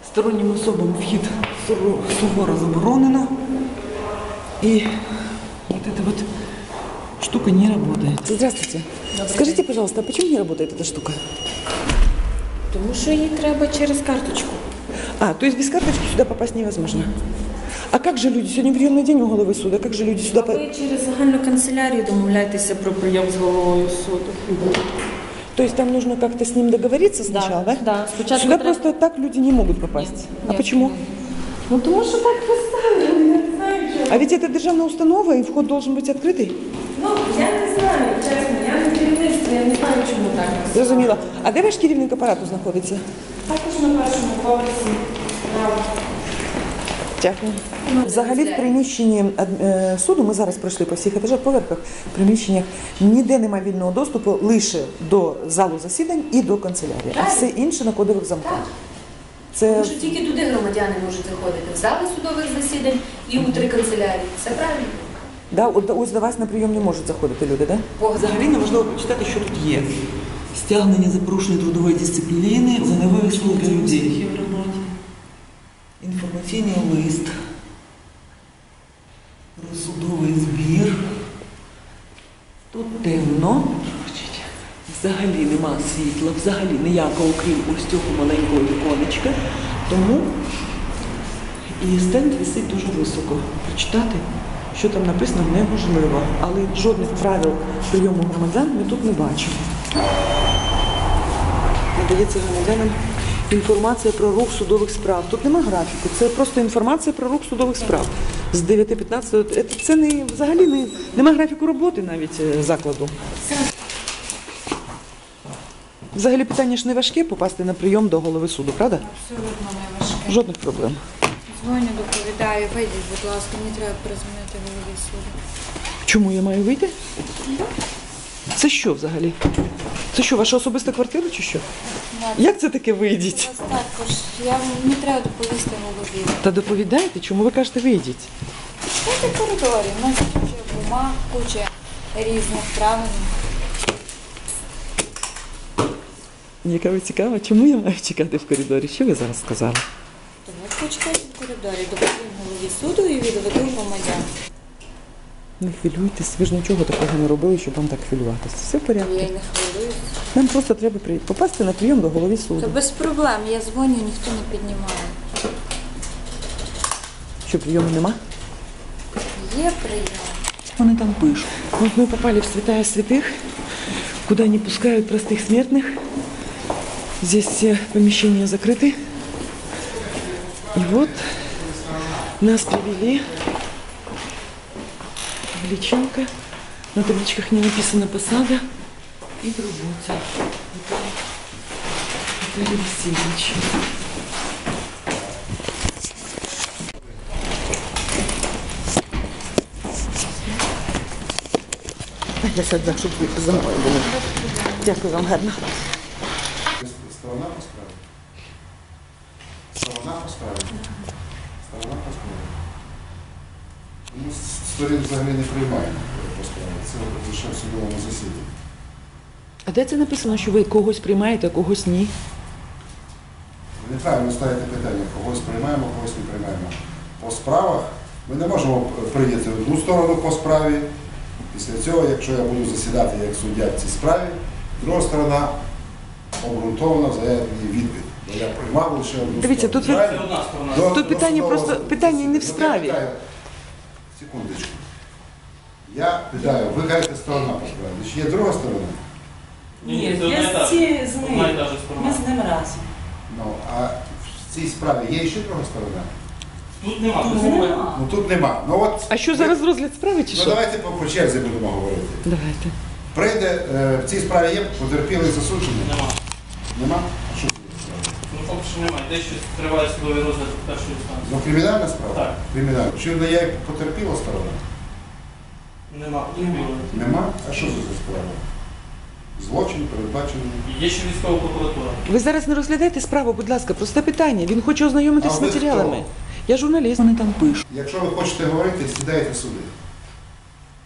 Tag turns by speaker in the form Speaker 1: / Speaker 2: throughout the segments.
Speaker 1: Сторонним особам вхід суворо заборонено. И вот эта вот штука не работает. Здравствуйте. Скажите, пожалуйста, а почему не работает эта штука?
Speaker 2: Тому що їй треба через карточку.
Speaker 1: А, то есть без карточки сюда попасть невозможно? А как же люди? Сегодня приемный день у головы суда. Как же люди сюда...
Speaker 2: Ви через загальну канцелярію домовляєтеся про прийом з головою суду.
Speaker 1: То есть там нужно как-то с ним договориться сначала, да?
Speaker 2: Да. Спочатку
Speaker 1: Сюда
Speaker 2: треба...
Speaker 1: просто так люди не могут попасть.
Speaker 2: Нет,
Speaker 1: А
Speaker 2: нет.
Speaker 1: почему?
Speaker 2: Ну тому що так поставили, я не знаю чого.
Speaker 1: А ведь это державная установа, и вход должен быть открытый.
Speaker 2: Ну, я не знаю, чесно, я не керівництво, я не знаю, чому так.
Speaker 1: Зрозуміло. А де ваш керівник апарату знаходиться?
Speaker 2: Також на першому поверсі.
Speaker 1: Дякую. Взагалі в приміщенні суду, ми зараз пройшли по всіх етажах, поверхах, в приміщеннях ніде немає вільного доступу лише до залу засідань і до канцелярії. А все інше на кодових замках. Це...
Speaker 3: Тому що тільки туди громадяни можуть заходити, в зали судових засідань і у 3 канцелярії. Все правильно?
Speaker 1: Да, ось до вас на прийом не можуть заходити люди, так? Да?
Speaker 4: Взагалі нам важливо прочитати, що тут є. Стягнення за порушення трудової дисципліни за невивчення для людей. Інформаційний лист. Про судовий збір. Тут темно. Взагалі нема світла, взагалі ніякого, окрім ось цього маленького віконечка. Тому і стенд висить дуже високо. Прочитати, що там написано, неможливо. Але жодних правил прийому громадян ми тут не бачимо. Надається громадянам інформація про рух судових справ. Тут нема графіку, це просто інформація про рух судових справ. З 9:15. Це не, взагалі нема графіку роботи навіть закладу. Взагалі питання ж не важке попасти на прийом до голови суду, правда?
Speaker 5: Абсолютно не важке.
Speaker 1: Жодних проблем.
Speaker 5: Дзвоню, доповідаю, вийдіть, будь ласка, мені треба перезвонити голові суду.
Speaker 1: Чому я маю вийти? Це що взагалі? Це що, ваша особиста квартира чи що? Як це таке вийдіть?
Speaker 5: У вас також, мені треба доповісти голові.
Speaker 1: Та доповідайте, чому ви кажете вийдіть?
Speaker 5: Це в коридорі, у нас куча бумаг, куча різних правил.
Speaker 1: Яка ви цікава, чому я маю чекати в коридорі? Що ви зараз сказали?
Speaker 5: Тому почекайте в коридорі, доповім голові суду і відведу громадян.
Speaker 1: Не хвилюйтесь, ви ж нічого такого не робили, щоб вам так хвилюватися. Все в порядку.
Speaker 5: Я й не хвилююсь.
Speaker 1: Нам просто треба попасти на прийом до голови суду.
Speaker 5: Та без проблем, я дзвоню, ніхто не піднімає.
Speaker 1: Що, прийому нема?
Speaker 5: Є прийом.
Speaker 1: Вони там пишут. Вот мы попали в святая святых, куда не пускают простых смертных. Здесь все помещения закрыты. И вот нас привели в личинка. На табличках не написано посада и работа. Виталий Васильевич. Я сяду, щоб ви за мною були. Дякую вам, гарно.
Speaker 6: Сторона по справі. Сторона по справі. Сторона по справі. Ми сторін взагалі не приймаємо по справі. Це лише в судовому засіданні.
Speaker 1: А де це написано, що ви когось приймаєте, а когось ні?
Speaker 6: Ви неправильно ставите питання. Когось приймаємо, когось не приймаємо. По справах ми не можемо прийняти одну сторону по справі. Після цього, якщо я буду засідати як суддя в цій справі, друга сторона обґрунтовано заявить мені відповідь. Бо я приймав лише одну
Speaker 1: Дивіться,
Speaker 6: сторону.
Speaker 1: тут питання просто питання не в справі.
Speaker 6: Секундочку. Я питаю, ви кажете сторона по справі. Чи є друга сторона?
Speaker 2: Ні, я з ним. Ми з ним разом.
Speaker 6: Ну, а в цій справі є ще друга сторона?
Speaker 7: Тут нема.
Speaker 6: Ну тут нема. Ну, от,
Speaker 1: А що зараз розгляд справи чи
Speaker 6: Ну
Speaker 1: що?
Speaker 6: давайте по черзі будемо говорити.
Speaker 1: Давайте.
Speaker 6: Прийде, в цій справі є потерпілий засуджений?
Speaker 7: Нема.
Speaker 6: Нема? А що це за справа?
Speaker 7: Ну поки що немає. Дещо триває судовий розгляд першої інстанції.
Speaker 6: Ну кримінальна справа?
Speaker 7: Так.
Speaker 6: Кримінальна. Чи не є потерпіла сторона?
Speaker 7: Нема.
Speaker 6: Нема? А що це за справа? Злочин передбачений.
Speaker 7: Є ще військова прокуратура.
Speaker 1: Ви зараз не розглядаєте справу, будь ласка, просте питання. Він хоче ознайомитись
Speaker 6: А
Speaker 1: з
Speaker 6: ви
Speaker 1: матеріалами.
Speaker 6: хто?
Speaker 1: Я журналіст. Вони там пишуть.
Speaker 6: Якщо ви хочете говорити, сідайте сюди.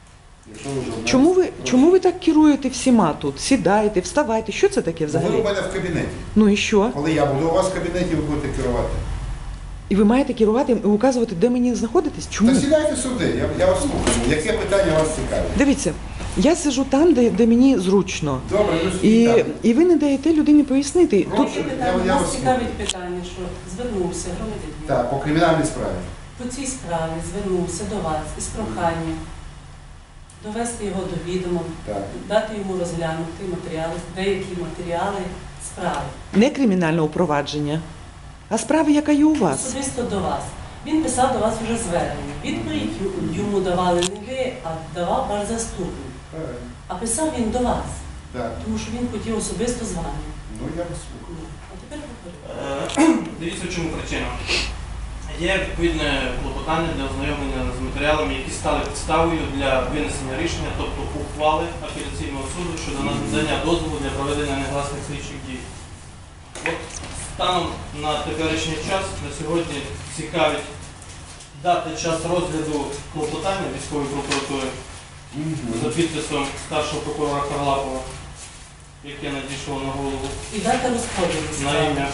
Speaker 6: Якщо ви журналіст,
Speaker 1: Чому ви так керуєте всіма тут? Сідайте, вставайте. Що це таке
Speaker 6: Ви у
Speaker 1: взагалі?
Speaker 6: мене в кабінеті.
Speaker 1: Ну і що?
Speaker 6: Коли я буду у вас в кабінеті, ви будете керувати.
Speaker 1: І ви маєте керувати і указувати, де мені знаходитись? Чому?
Speaker 6: Та сідайте сюди, я вас слухаю. Яке питання вас цікавить?
Speaker 1: Дивіться, я сиджу там, де мені зручно.
Speaker 6: Добре, ну сидіть там.
Speaker 1: І ви не даєте людині пояснити.
Speaker 6: Прошу.
Speaker 1: Тут
Speaker 6: Я вас
Speaker 8: Нас цікавить питання, що звернувся громадянин.
Speaker 6: Так, по кримінальній справі.
Speaker 8: По цій справі звернувся до вас із проханням довести його до відома,
Speaker 6: Так.
Speaker 8: дати йому розглянути матеріали, деякі матеріали справи.
Speaker 1: не кримінальне провадження, а справа, яка є у вас.
Speaker 8: Особисто до вас. Він писав до вас вже звернення. Відповідь йому давали не ви, а давав ваш заступник.
Speaker 6: Правильно.
Speaker 8: А писав він до вас,
Speaker 6: Так.
Speaker 8: тому що він хотів особисто з вами.
Speaker 6: Ну, я вас слухаю.
Speaker 8: А тепер говорю.
Speaker 7: Дивіться, в чому причина. Є відповідне клопотання для ознайомлення з матеріалами, які стали підставою для винесення рішення, тобто ухвали апеляційного суду щодо надання дозволу для проведення негласних слідчих дій. От станом на теперішній час, на сьогодні цікавить дати час розгляду клопотання військової прокуратури за підписом старшого прокурора Харлапова, яке надійшло на голову
Speaker 8: І дата розподілу
Speaker 7: на
Speaker 8: справи.
Speaker 7: ім'я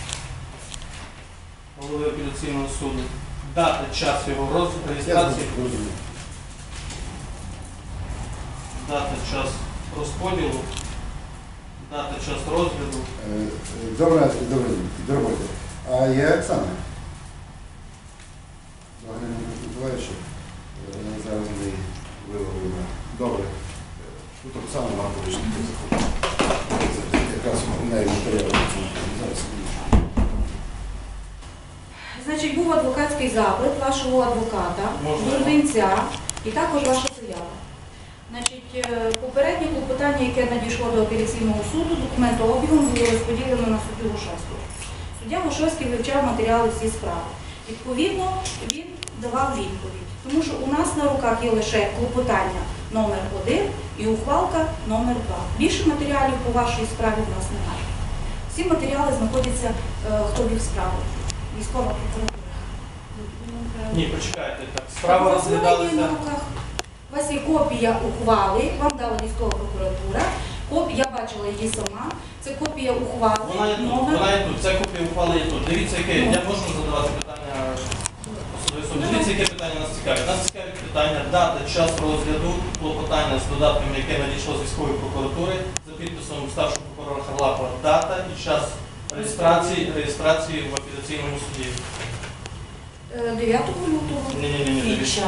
Speaker 7: голови апеляційного суду. Дати час його реєстрації,
Speaker 6: Розумію.
Speaker 7: дати час розподілу, дати час розгляду.
Speaker 6: Добре, добре. А є Оксана? Галина Миколаївича. Зараз ми виловимо. Добре. Тут Оксана Маркович не заходить. Якраз у неї матеріал. Зараз.
Speaker 9: Значить, був адвокатський запит вашого адвоката, Бурдинця, і також ваша заява. Значить, попереднє клопотання, яке надійшло до апеляційного суду, документообігом було розподілено на суддю Гошевського. Суддя Гошевський вивчав матеріали всі справи. Відповідно, він давав відповідь. Тому що у нас на руках є лише клопотання номер 1 і ухвалка номер 2. Більше матеріалів по вашій справі в нас немає. Всі матеріали знаходяться, хто вів справу. Військова прокуратура.
Speaker 7: Ні, почекайте. Так. Справа розглядалася.
Speaker 9: У вас є копія ухвали, вам дала військова прокуратура. Я бачила її сама. Це копія ухвали.
Speaker 7: Вона є тут, вона є тут. Ця копія ухвали є тут. Дивіться, яке. Я можу задавати питання особисто. Дивіться, яке питання нас цікавить. Нас цікавить питання дати час розгляду клопотання з додатками, яке надійшло з військової прокуратури за підписом старшого прокурора Харлапова. Дата і час реєстрації в апеляційному суді.
Speaker 9: 9 лютого.
Speaker 7: Ні.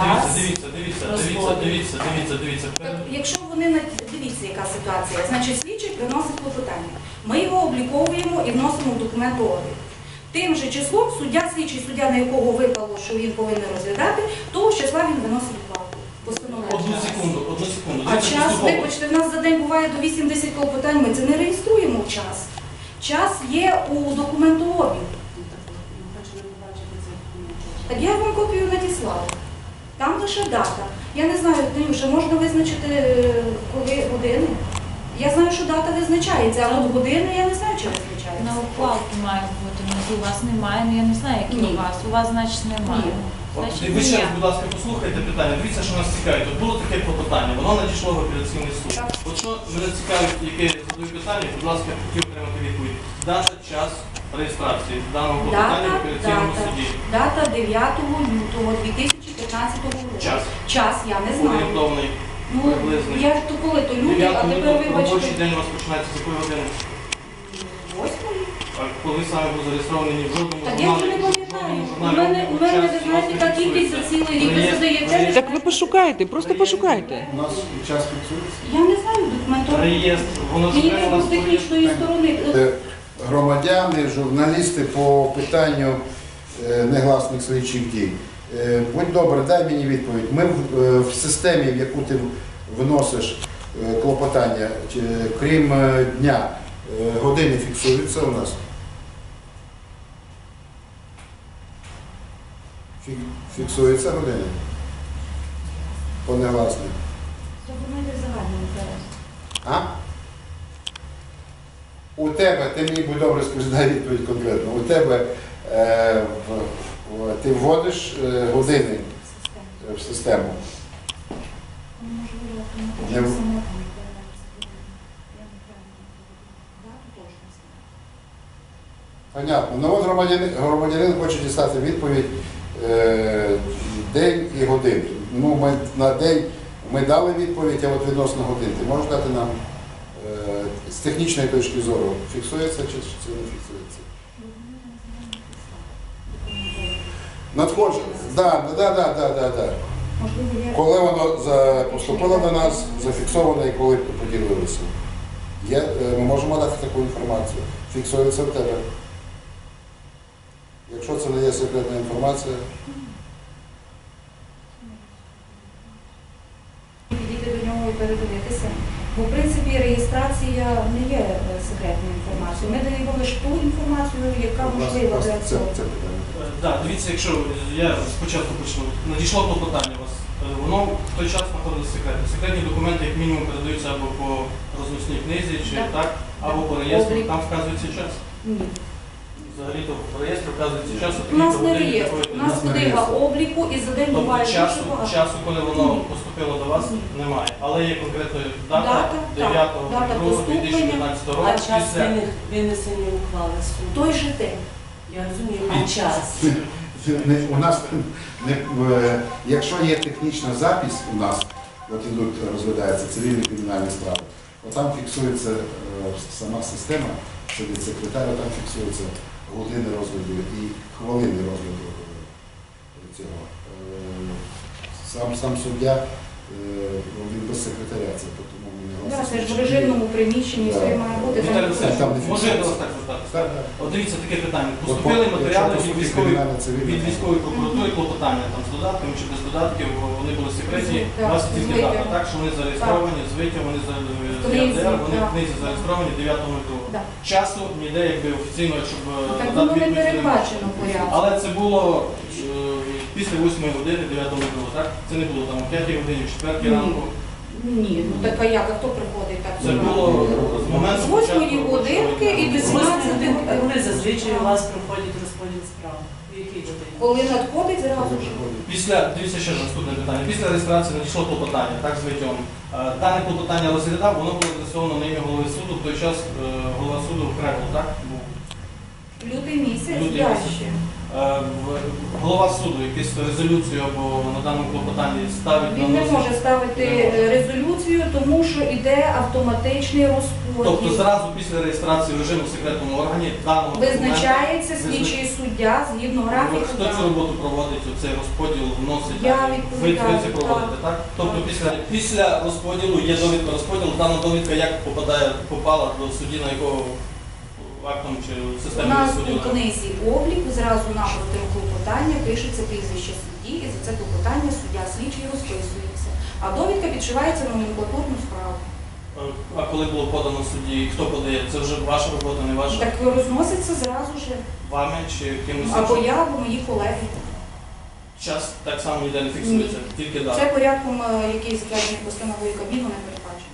Speaker 7: Дивіться.
Speaker 9: Так, якщо вони дивіться, яка ситуація. Значить, слідчий приносить клопотання. Ми його обліковуємо і вносимо в документообіг. Тим же числом слідчий суддя, на якого випало, що він повинен розглядати, того ж числа він виносить ухвалу.
Speaker 7: Одну секунду.
Speaker 9: А час, вибачте, в нас за день буває до 80 клопотань, ми це не реєструємо в час. Час є у документообігу. Так я вам копію надіслала. Там лише дата. Я не знаю, вже можна визначити, коли години. Я знаю, що дата визначається, а от години я не знаю, чи визначається.
Speaker 5: На ухвалки має бути, внизу у вас немає, ну я не знаю, які
Speaker 9: Ні.
Speaker 5: у вас. У вас, значить, немає.
Speaker 9: Ні.
Speaker 5: Значить,
Speaker 7: Ви ще
Speaker 5: ні.
Speaker 7: раз, будь ласка, послухайте питання. Дивіться, що нас цікавить. От було таке клопотання, воно надійшло в апеляційний суд.
Speaker 9: Так.
Speaker 7: От що мене цікавить, яке я задаю питання, будь ласка, хотів отримати відповідь. Дата, час реєстрації даного клопотання в апеляційному суді.
Speaker 9: Дата 9 лютого 2015 року.
Speaker 7: Час.
Speaker 9: Час я не знаю.
Speaker 7: Орієнтовний,
Speaker 9: Ну,
Speaker 7: приблизний.
Speaker 9: я то коли то люди, а
Speaker 7: 9
Speaker 9: тепер
Speaker 7: лютого робочий
Speaker 9: вибачте.
Speaker 7: день у вас починається з якої години?
Speaker 9: 8-ї.
Speaker 7: А коли саме був зареєстрований ні в жодному
Speaker 9: Так я вже не пам'ятаю. У мене, ви знаєте, така кількість за цілий рік. Ви задаєте.
Speaker 1: Так ви пошукайте, просто пошукайте.
Speaker 6: У нас час фіксується.
Speaker 9: Я не знаю документообіг.
Speaker 7: Реєстр, воно ж
Speaker 9: Мені
Speaker 7: треба у
Speaker 9: треба
Speaker 7: нас
Speaker 9: з технічної сторони.
Speaker 6: Громадяни, журналісти по питанню негласних слідчих дій. Будь добре, дай мені відповідь. Ми в системі, в яку ти вносиш клопотання, крім дня, години фіксуються у нас? Фіксуються години? По негласних.
Speaker 9: Пропонуйте загальний інтерес.
Speaker 6: А? У тебе, ти мені будь добре скажи, дай відповідь конкретно. У тебе ти вводиш години в систему.
Speaker 9: Можливо,
Speaker 6: Не в- Понятно. Ну от громадянин хоче дістати відповідь день і годину. Ну, ми на день ми дали відповідь, а от відносно годин. Ти можеш дати нам з технічної точки зору, фіксується чи це не фіксується? Надходження. Да. Коли воно поступило до нас, зафіксовано і коли поділилися. Ми можемо дати таку інформацію. Фіксується в тебе. Якщо це не є секретна інформація.
Speaker 9: Підійти до нього і передивитися. Бо, в принципі, реєстрація не є секретною інформацією. Ми даємо лише ту інформацію, яка можлива для цього.
Speaker 7: Так, дивіться, якщо я спочатку почну. Надійшло клопотання у вас. Воно в той час знаходилося секретне. Секретні документи, як мінімум, передаються або по розносній книзі, чи так, або по реєстру. Там вказується час.
Speaker 9: Ні.
Speaker 7: Взагалі-то по реєстру вказується час.
Speaker 9: У нас не реєстр, у нас книга обліку і за день буває
Speaker 7: Тобто часу, коли воно поступило до вас, немає. Але є конкретна дата 9.02.2015 року.
Speaker 8: А час винесення ухвали суду?
Speaker 9: Той же день.
Speaker 8: Я розумію, а час?
Speaker 6: У нас, якщо є технічна запис у нас, от ідуть, розглядаються цивільні кримінальні справи, от там фіксується сама система, сидить секретар, там фіксуються години розгляду і хвилини розгляду цього. Сам суддя, він без секретаря, це тому він не
Speaker 9: Це ж в режимному приміщенні все має бути.
Speaker 7: Віталій Олексійович, може я до вас так звертатися? От дивіться, таке питання. Поступили матеріали від військової прокуратури, клопотання там з додатками чи без додатків, вони були секретні. У вас є тільки дата, так, що вони зареєстровані, з витягом, вони з ЄРДР, вони в книзі зареєстровані 9.02. Часу ніде, якби офіційно, щоб
Speaker 9: Так воно не передбачено порядку.
Speaker 7: Але це було після 8 години 9.02, так? Це не було там о 5 годині, в 4 ранку.
Speaker 9: Ні, ну так а як, а хто приходить так?
Speaker 7: Це було з моменту
Speaker 9: з 8 годинки і до 17 годин.
Speaker 8: Коли зазвичай у вас проходить розподіл справ? В якій годині?
Speaker 9: Коли надходить, зразу ж.
Speaker 7: Дивіться ще ж наступне питання. Після реєстрації надійшло клопотання, так, з витягом. Дане клопотання розглядав, воно було адресовано на ім'я голови суду, в той час голова суду Кревел, так? Був.
Speaker 9: Лютий місяць,
Speaker 7: Лютий
Speaker 9: далі.
Speaker 7: місяць. Голова суду якусь резолюцію або на даному клопотанні ставить на
Speaker 9: Він не
Speaker 7: носі?
Speaker 9: може ставити резолюцію, тому що йде автоматичний
Speaker 7: Тобто
Speaker 9: розподіл.
Speaker 7: зразу після реєстрації в режиму в секретному органі даного
Speaker 9: Визначається
Speaker 7: документа
Speaker 9: слідчий суддя згідно графіку.
Speaker 7: Хто цю роботу проводить, цей розподіл вносить?
Speaker 9: Я
Speaker 7: так?
Speaker 9: відповідаю,
Speaker 7: Ви це проводите, так? Тобто після розподілу є довідка розподілу, дана довідка як попала до судді, на якого актом чи
Speaker 9: У
Speaker 7: системі
Speaker 9: нас у
Speaker 7: розподілу?
Speaker 9: книзі обліку зразу напроти клопотання пишеться прізвище судді, і за це клопотання суддя слідчий розписується. А довідка підшивається на номенклатурну справу.
Speaker 7: А коли було подано судді, хто подає? Це вже ваша робота, не ваша?
Speaker 9: Так розноситься зразу ж.
Speaker 7: Вами чи кимось
Speaker 9: Або
Speaker 7: іншим?
Speaker 9: я, або мої колеги.
Speaker 7: Час так само ніде не фіксується, тільки дата.
Speaker 9: Це порядком, який затверджений постановою Кабміну, не передбачено.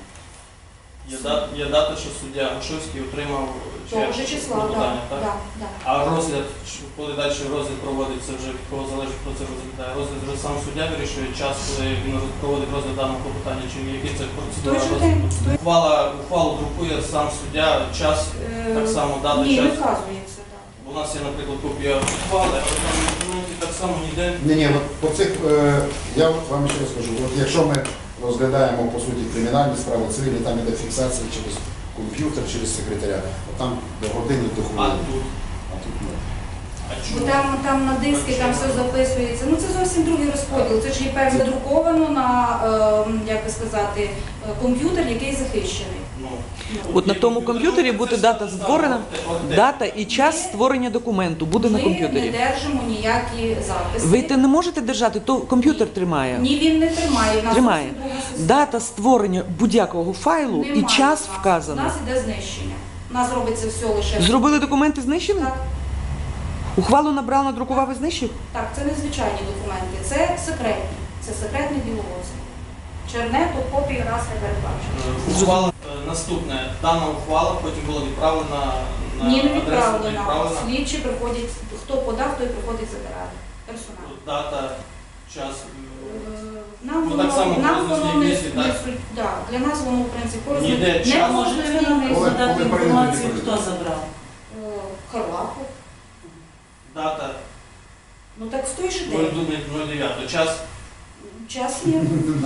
Speaker 7: Є дата, що суддя Гошовський отримав
Speaker 9: Того ж числа,
Speaker 7: клопотання, так?
Speaker 9: так.
Speaker 7: А розгляд, коли далі розгляд проводиться, вже від кого залежить, хто це розглядає? Розгляд вже сам суддя вирішує час, коли він проводить розгляд даного клопотання, чи який це процедура
Speaker 9: Той же
Speaker 7: розгляду?
Speaker 9: день.
Speaker 7: Ухвалу друкує сам суддя, час, так само дата,
Speaker 9: Ні, не
Speaker 7: час.
Speaker 9: вказується так.
Speaker 7: У нас є, наприклад, копія ухвали, але там в документі так само ніде.
Speaker 6: Ні, по цих, я вам ще раз скажу, от якщо ми розглядаємо, по суті, кримінальні справи, цивільні, там іде фіксація через комп'ютер, через секретаря, от там до години, до
Speaker 7: А
Speaker 6: хвилини.
Speaker 7: тут?
Speaker 6: А тут ні.
Speaker 7: А
Speaker 9: Бо
Speaker 7: чому?
Speaker 9: там на диски там все записується. Ну це зовсім другий розподіл. Це ж є певно задруковано на, як би сказати, комп'ютер, який захищений.
Speaker 7: Ну,
Speaker 1: От на тому комп'ютері буде дата створена, дата і час створення документу буде на
Speaker 9: Ми не
Speaker 1: комп'ютері.
Speaker 9: держимо ніякі записи.
Speaker 1: Ви те не можете держати, то комп'ютер тримає.
Speaker 9: Ні, він не тримає. В нас
Speaker 1: Тримає.
Speaker 9: зовсім друга система.
Speaker 1: Дата створення будь-якого файлу і
Speaker 9: Немає
Speaker 1: час
Speaker 9: в нас. У
Speaker 1: вказано.
Speaker 9: нас іде знищення. У нас робиться все лише.
Speaker 1: Зробили документи, знищили?
Speaker 9: Так,
Speaker 1: Ухвалу набрав, надрукував і знищив?
Speaker 9: так, це не звичайні документи, це секретні. Це секретні діловодці. Чернету, копії раз не передбачено.
Speaker 7: Ухвала наступне. Дана ухвала потім була відправлена на
Speaker 9: Ні, не
Speaker 7: адресу,
Speaker 9: відправлено. Слідчі приходять, хто подав, той приходить забирати. Персонально.
Speaker 7: Дата, час.
Speaker 9: Нам
Speaker 7: Ну, так само
Speaker 9: нам
Speaker 7: корисно
Speaker 9: воно не
Speaker 7: місці, так?
Speaker 9: да, для нас воно, в принципі, корисно.
Speaker 7: Ніде
Speaker 9: Не
Speaker 7: час.
Speaker 9: може
Speaker 8: Можете ви нам
Speaker 6: Коли
Speaker 8: надати
Speaker 6: прийдете,
Speaker 8: інформацію,
Speaker 6: прийдете.
Speaker 8: хто забрав?
Speaker 9: Харлапов.
Speaker 7: Дата
Speaker 9: Ну так в той же день.
Speaker 7: 09. Час.
Speaker 9: Час є.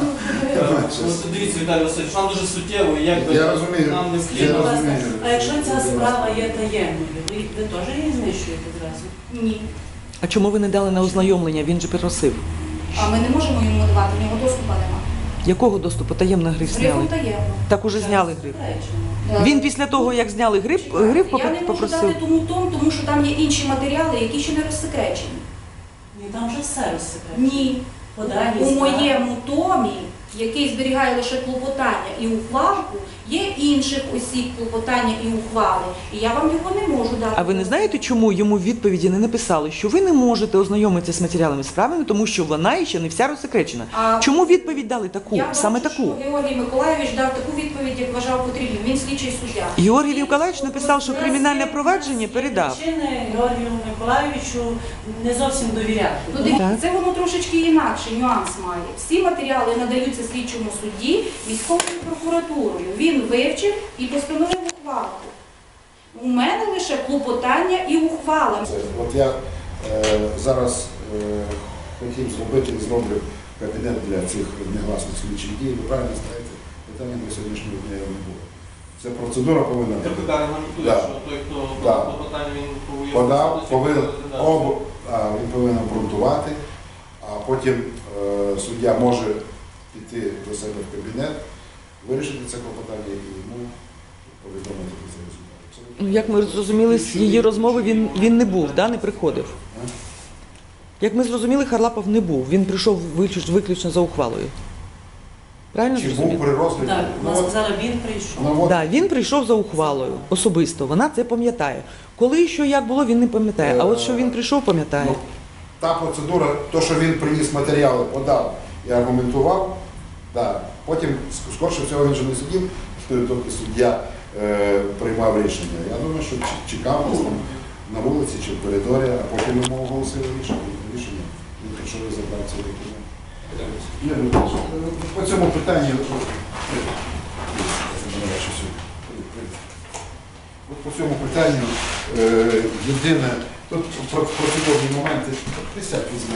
Speaker 7: Ну, дивіться, Віталій Васильович, нам дуже суттєво, і якби
Speaker 6: Я розумію.
Speaker 7: нам не
Speaker 8: Скажіть,
Speaker 6: Я
Speaker 8: будь ласка,
Speaker 6: розумію.
Speaker 8: а якщо ця справа є таємною, ви теж її знищуєте зразу?
Speaker 9: Ні.
Speaker 4: А чому ви не дали на ознайомлення? Він же просив.
Speaker 9: А ми не можемо йому давати, в нього доступу нема.
Speaker 4: Якого доступу? Таємно гриф
Speaker 9: Грифом
Speaker 4: зняли.
Speaker 9: таємно.
Speaker 4: Так уже зняли гриф.
Speaker 8: Заперечено.
Speaker 4: Він після того, як зняли гриф
Speaker 9: Я не можу
Speaker 4: попросив.
Speaker 9: дати тому що там є інші матеріали, які ще не розсекречені.
Speaker 8: Ні, там вже все розсекречено.
Speaker 9: Ні.
Speaker 8: По даній
Speaker 9: У
Speaker 8: справі.
Speaker 9: моєму томі, який зберігає лише клопотання і ухвалку, є інших осіб клопотання і ухвали. І я вам його не можу дати.
Speaker 4: А ви не знаєте, чому йому в відповіді не написали, що ви не можете ознайомитися з матеріалами справи, тому що вона ще не вся розсекречена?
Speaker 9: А
Speaker 4: Чому відповідь дали таку,
Speaker 9: я
Speaker 4: саме
Speaker 9: бачу,
Speaker 4: таку?
Speaker 9: що Георгій Миколаївич дав таку відповідь, як вважав потрібним. Він слідчий суддя.
Speaker 4: Георгій Миколаївич написав, що кримінальне провадження передав.
Speaker 8: Причини Георгію Миколаївичу не зовсім довіряти.
Speaker 9: Ну, дивіться,
Speaker 4: Так.
Speaker 9: це воно трошечки інакше, нюанс має. Всі матеріали надаються слідчому судді військовою прокуратурою. Він вивчив і постановив ухвалку. У мене лише клопотання і ухвала.
Speaker 6: От я зараз хотів зробити і зроблю кабінет для цих негласних слідчих дій. Ви правильно знаєте, питання до сьогоднішнього дня його не було. Ця процедура повинна бути.
Speaker 7: КПК регламентує,
Speaker 6: Да.
Speaker 7: що той, хто
Speaker 6: Да.
Speaker 7: клопотання, він повинен
Speaker 6: Подав, повинен,
Speaker 7: розглядати.
Speaker 6: він повинен обґрунтувати, а потім суддя може піти до себе в кабінет, вирішити це клопотання і йому повідомити про це результат. Абсолютно.
Speaker 4: Ну, як ми зрозуміли з її розмови, він не був, да, не приходив. Як ми зрозуміли, Харлапов не був. Він прийшов виключно за ухвалою. Правильно
Speaker 6: Чи був
Speaker 4: зрозуміли?
Speaker 6: при розгляді?
Speaker 8: Так,
Speaker 6: Ну,
Speaker 8: вона
Speaker 6: от-
Speaker 8: сказала, він прийшов.
Speaker 6: ну, от,
Speaker 4: Да, він прийшов за ухвалою особисто. Вона це пам'ятає. Коли і що як було, він не пам'ятає. А от що він прийшов, пам'ятає.
Speaker 6: ну, та процедура, то, що він приніс матеріали, подав і аргументував, да. Потім, скорше всього, він же не сидів, доки суддя приймав рішення. Я думаю, що чекав десь там на вулиці чи в коридорі, а потім йому оголосили рішення. Він прийшов і забрав цей документ. По цьому питанню, по цьому питанню єдине, тут процедурні моменти, присядь візьми.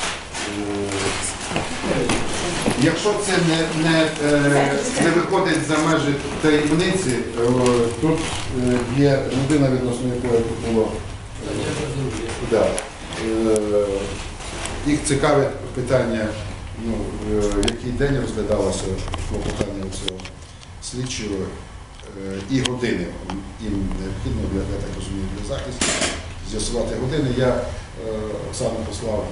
Speaker 6: Якщо це не виходить за межі таємниці, тут є людина, відносно якої тут було. Да. Їх цікавить питання, ну, в який день розглядалося клопотання цього слідчого і години. Їм необхідно, я так розумію, для захисту з'ясувати години. Я Оксану послав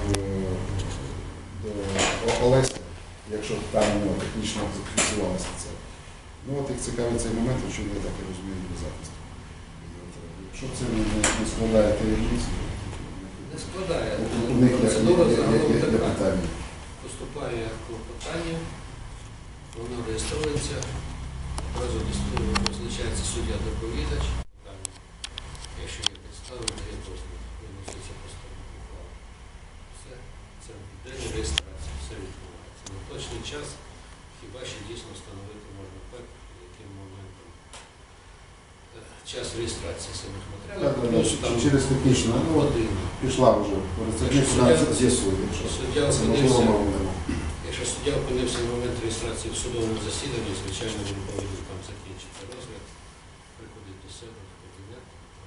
Speaker 6: до Олеся, якщо там у нього технічно зафіксувалося це. Ну от їх цікавить цей момент, що я так і розумію, для захисту. Якщо це не складає таємниці,
Speaker 10: Не складає.
Speaker 6: у них
Speaker 10: Процедура загалом
Speaker 6: є
Speaker 10: така.
Speaker 6: питання.
Speaker 10: Поступає клопотання, воно реєструється, одразу визначається суддя-доповідач. Якщо є підстави, є дозвіл, виноситься постанова ухвала. Все, це день реєстрації, все відбувається. На точний час хіба ще дійсно встановити можна ПЕК, яким моментом час реєстрації самих матеріалів, плюс там
Speaker 6: Через технічну, ну от
Speaker 10: годину.
Speaker 6: пішла вже,
Speaker 10: Якщо
Speaker 6: з'ясує.
Speaker 10: Суддя
Speaker 6: Це можливо,
Speaker 10: опинився,
Speaker 6: можливо.
Speaker 10: якщо суддя опинився в момент реєстрації в судовому засіданні, звичайно, він повинен там закінчити розгляд, приходить до себе в кабінет,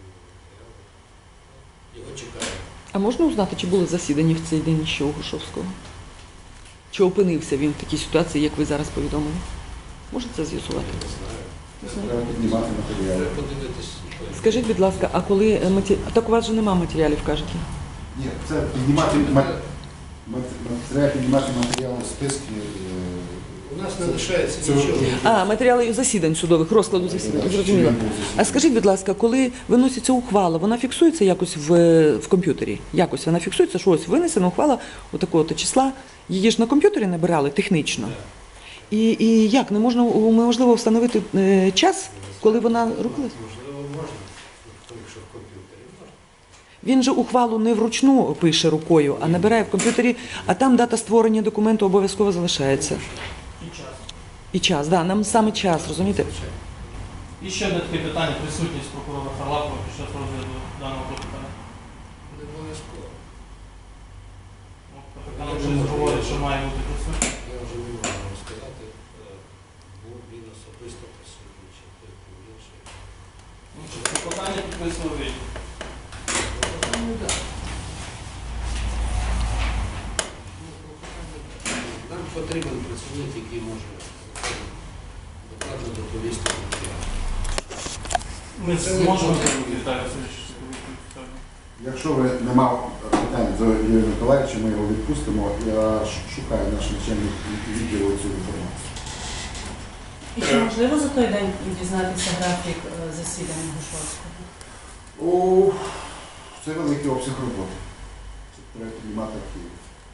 Speaker 10: його чекає.
Speaker 4: А можна узнати, чи були засідання в цей день ще у Грушовського? Чи опинився він в такій ситуації, як ви зараз повідомили? Можете це з'ясувати?
Speaker 10: Не знаю.
Speaker 6: Треба піднімати матеріали.
Speaker 10: Треба подивитись.
Speaker 4: Скажіть, будь ласка, а коли так у вас же немає матеріалів, кажете?
Speaker 6: Ні, це піднімати треба піднімати матеріали, списки.
Speaker 10: У нас не лишається
Speaker 6: це-
Speaker 10: нічого.
Speaker 4: А, матеріали засідань судових, розкладу засідань, зрозуміло. А скажіть, будь ласка, коли виноситься ухвала, вона фіксується якось в комп'ютері? Якось вона фіксується, що ось винесена ухвала такого-то числа, її ж на комп'ютері набирали технічно. І як, неможливо встановити час, коли вона рухалась?
Speaker 10: Можливо, можна, якщо в комп'ютері можна.
Speaker 1: Він же ухвалу не вручну пише рукою, а набирає в комп'ютері, а там дата створення документу обов'язково залишається.
Speaker 7: І час.
Speaker 1: І час, да, нам саме час, розумієте?
Speaker 7: І ще одне таке питання, присутність прокурора Харлапова під час розгляду даного клопотання.
Speaker 10: Не обов'язково.
Speaker 7: Капітан вже говорить, що має бути присутній.
Speaker 10: Я вже не можу вам сказати, був він особисто присутній, чи той був інший.
Speaker 7: Клопотання підписував він.
Speaker 10: Ну, так. Нам потрібен працівник, який може докладно доповісти.
Speaker 7: Ми зможемо Віталій Васильович.
Speaker 6: Якщо ви не мав питань до Юрія Миколаївича, ми його відпустимо. Я шукаю наш начальник відділу цю інформацію.
Speaker 8: І чи можливо за той день дізнатися графік засідання Грушовського?
Speaker 6: О, це великий обсяг роботи. Це треба піднімати архіви.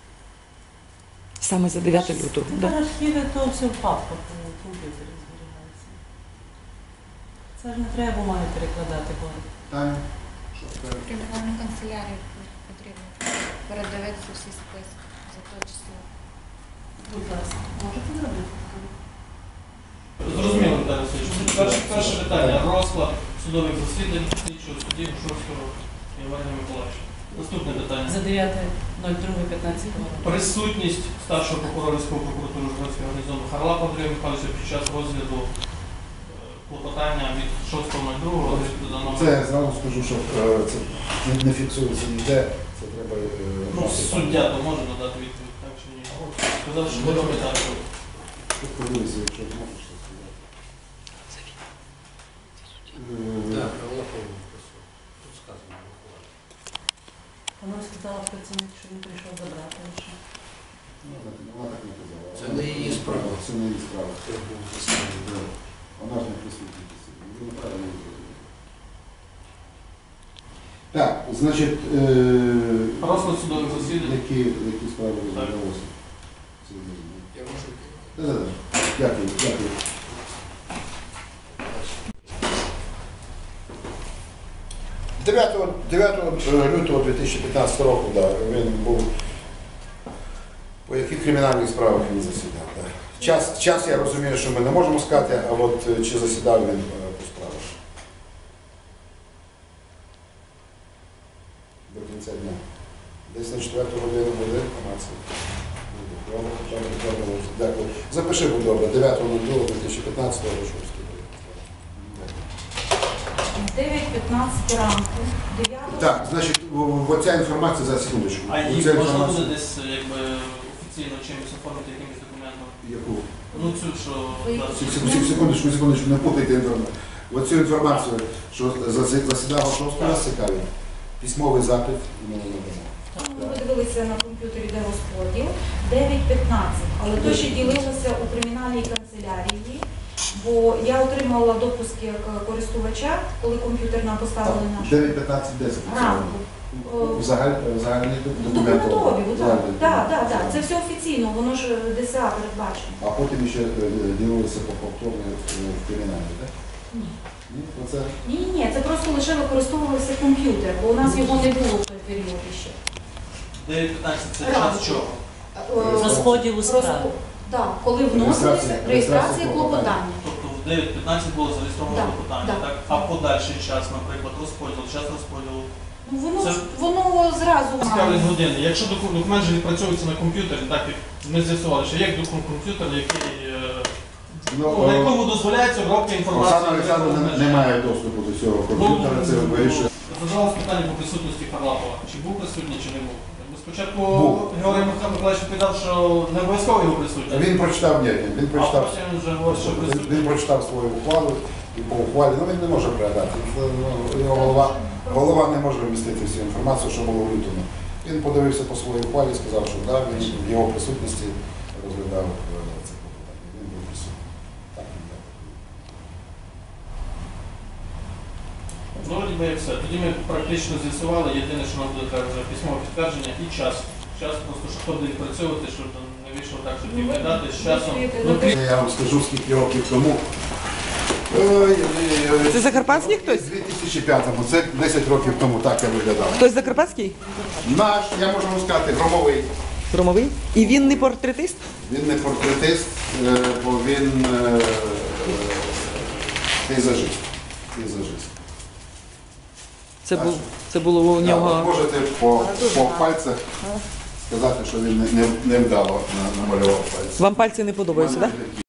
Speaker 1: Саме за 9 лютого. Да.
Speaker 8: Архіви то все в папках у комп'ютері зберігається. Це ж не треба бумаги перекладати, бо
Speaker 6: Таня, що скажеш?
Speaker 5: Кримінальну канцелярію потрібно передивитися всі списки за те число.
Speaker 8: будь ласка, можете зробити?
Speaker 7: Зрозуміло, Віталій Васильович. Перше питання. Розклад судових засідань слідчого судді Грушовського Івана Миколаївича. Наступне питання.
Speaker 8: За 9.02.15 року.
Speaker 7: Присутність старшого прокурора військової прокуратури Житомирського гарнізону Харлапова Андрія Михайловича під час розгляду клопотання від 6.02 розгляду даного.
Speaker 6: Це я зразу скажу, що це не фіксується ніде. Це треба.
Speaker 7: Ну, суддя то може надати відповідь, так чи ні? Сказав, що не робить так.
Speaker 6: Тут подивися, якщо можеш це сказати.
Speaker 10: Так, Харлапов тут сказано.
Speaker 8: Вона сказала працівник, що він прийшов забрати лише.
Speaker 6: Вона так не казала.
Speaker 10: Це не її справа.
Speaker 6: Це не її справа.
Speaker 10: Хто був засідання?
Speaker 6: Вона ж не присутня. Ви неправильно зрозуміли. Так, значить,
Speaker 7: Розклад судових засідань.
Speaker 6: які справи розглядалися?
Speaker 10: Я можу
Speaker 6: Да. Дякую, дякую. Лютого 2015 року, да, він був. По яких кримінальних справах він засідав? Да. Час я розумію, що ми не можемо сказати, а от чи засідав він по справах? До кінця дня. Десь на 4 годину буде інформація. Дякую. Запиши, будь добре, 9.02.2015 Грушовський.
Speaker 9: 9:15 ранку, 9
Speaker 6: Так, значить, оця інформація за секундочку.
Speaker 7: А її
Speaker 6: Оця
Speaker 7: можна
Speaker 6: інформація-
Speaker 7: буде десь якби офіційно чимось оформити якимось документом?
Speaker 6: Яку?
Speaker 7: Ну цю, що
Speaker 6: Секундочку, не путайте інформацію. Оцю інформацію, що засідав Грушовський, нас цікавить. Письмовий запит і ми надамо.
Speaker 9: ми подивилися на комп'ютері, де розподіл, 9:15, але то ще ділилося у кримінальній канцелярії, бо я отримала допуск як користувача, коли комп'ютер нам поставили наш
Speaker 6: 9.15.10.
Speaker 9: ранку.
Speaker 6: Загальний документ.
Speaker 9: Документові, так. Це все офіційно, воно ж ДСА передбачено.
Speaker 6: А потім ще ділилися по повторно в криміналі, так?
Speaker 9: Ні.
Speaker 6: Ні? Оце?
Speaker 9: Ні, це просто лише використовувався комп'ютер, бо у нас його не було в той період ще.
Speaker 7: 9.15 це час чого?
Speaker 8: Розподілу справ.
Speaker 9: Так, коли вносилися реєстрація клопотання.
Speaker 7: Тобто в 9.15 було зареєстровано
Speaker 9: Так,
Speaker 7: клопотання,
Speaker 9: так.
Speaker 7: так? А подальший час, наприклад, час розподілу.
Speaker 9: Ну,
Speaker 7: Це-
Speaker 9: воно зразу
Speaker 7: Цікавить години. Якщо документ же відпрацьовується на комп'ютері, так як ми з'ясували, що є комп'ютер, який на якому дозволяється обробка інформації.
Speaker 6: Оксана Олександровна не має доступу до цього комп'ютера, це вирішує.
Speaker 7: Задалось питання по присутності Харлапова. Чи був присутній, чи не був? Спочатку
Speaker 6: Був.
Speaker 7: Георгій Миколаївич відповідав, що не обов'язково його присутність.
Speaker 6: Він прочитав, він
Speaker 7: А
Speaker 6: прочитав.
Speaker 7: потім він вже говорить, що присутній.
Speaker 6: Він прочитав свою ухвалу і по ухвалі, він не може передати. Його голова не може вмістити всю інформацію, що було в лютому. Він подивився по своїй ухвалі і сказав, що так, він в його присутності розглядав це клопотання. Він був присутній. Так, він так.
Speaker 7: Ну, ніби як все. Тоді ми практично з'ясували. Єдине, що нам буде треба вже письмове підтвердження і час. Час просто, щоб хто буде відпрацьовувати, щоб не вийшло так, що тільки дати з часом.
Speaker 6: Я вам скажу, скільки років тому
Speaker 1: Це закарпатський хтось?
Speaker 6: У 2005-му, це 10 років тому так я виглядав.
Speaker 1: Хтось закарпатський?
Speaker 6: Наш, я можу вам сказати, громовий.
Speaker 1: Громовий? І він не портретист?
Speaker 6: Він не портретист, бо він пейзажист.
Speaker 1: Це було у нього.
Speaker 6: Можете по пальцях сказати, що він невдало намалював пальці.
Speaker 1: Вам пальці не подобаються, так?